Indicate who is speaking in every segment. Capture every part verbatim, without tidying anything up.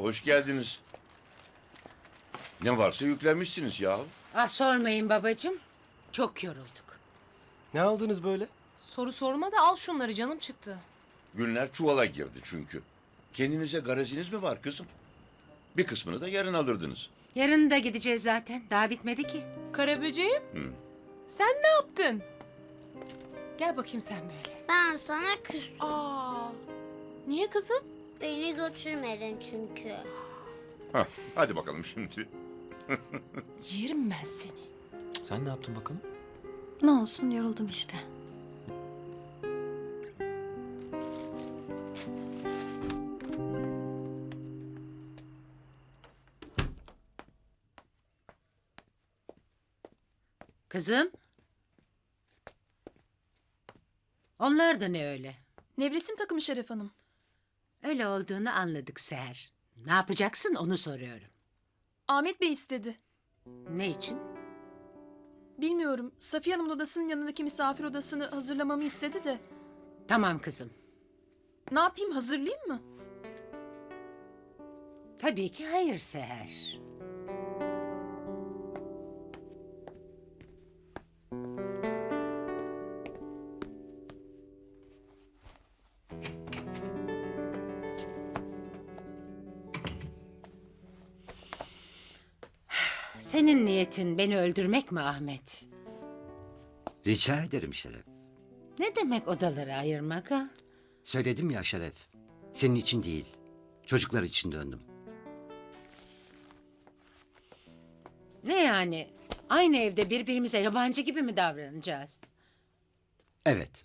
Speaker 1: Hoş geldiniz. Ne varsa yüklenmişsiniz ya.
Speaker 2: Ah sormayın babacığım. Çok yorulduk.
Speaker 3: Ne aldınız böyle?
Speaker 4: Soru sorma da al şunları, canım çıktı.
Speaker 1: Günler çuvala girdi çünkü. Kendinize garajiniz mi var kızım? Bir kısmını da yarın alırdınız.
Speaker 2: Yarın da gideceğiz zaten. Daha bitmedi ki.
Speaker 4: Karaböceğim,
Speaker 1: Hı.
Speaker 4: sen ne yaptın? Gel bakayım sen böyle.
Speaker 5: Ben sana küstüm.
Speaker 4: Aa, niye kızım?
Speaker 5: Beni götürmedin çünkü.
Speaker 1: Hah, hadi bakalım şimdi.
Speaker 4: Yerim ben seni.
Speaker 3: Sen ne yaptın bakalım?
Speaker 6: Ne olsun, yoruldum işte.
Speaker 2: Kızım. Onlar da ne öyle?
Speaker 4: Nevresim takımı Şeref Hanım.
Speaker 2: Öyle olduğunu anladık Seher. Ne yapacaksın onu soruyorum.
Speaker 4: Ahmet Bey istedi.
Speaker 2: Ne için?
Speaker 4: Bilmiyorum, Safiye Hanım'ın odasının yanındaki misafir odasını hazırlamamı istedi de.
Speaker 2: Tamam kızım.
Speaker 4: Ne yapayım, hazırlayayım mı?
Speaker 2: Tabii ki hayır Seher. Senin niyetin beni öldürmek mi Ahmet?
Speaker 7: Rica ederim Şeref.
Speaker 2: Ne demek odaları ayırmak ha?
Speaker 7: Söyledim ya Şeref. Senin için değil, çocuklar için döndüm.
Speaker 2: Ne yani? Aynı evde birbirimize yabancı gibi mi davranacağız?
Speaker 7: Evet,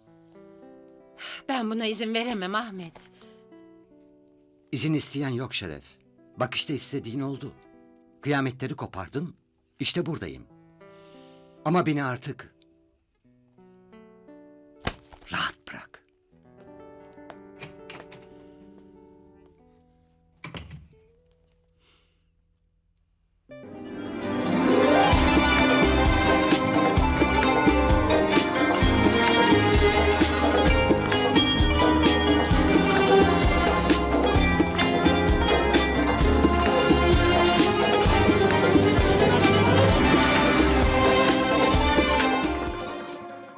Speaker 2: Ben buna izin veremem Ahmet.
Speaker 7: izin isteyen yok Şeref. Bak işte istediğin oldu. Kıyametleri kopardın, işte buradayım. Ama beni artık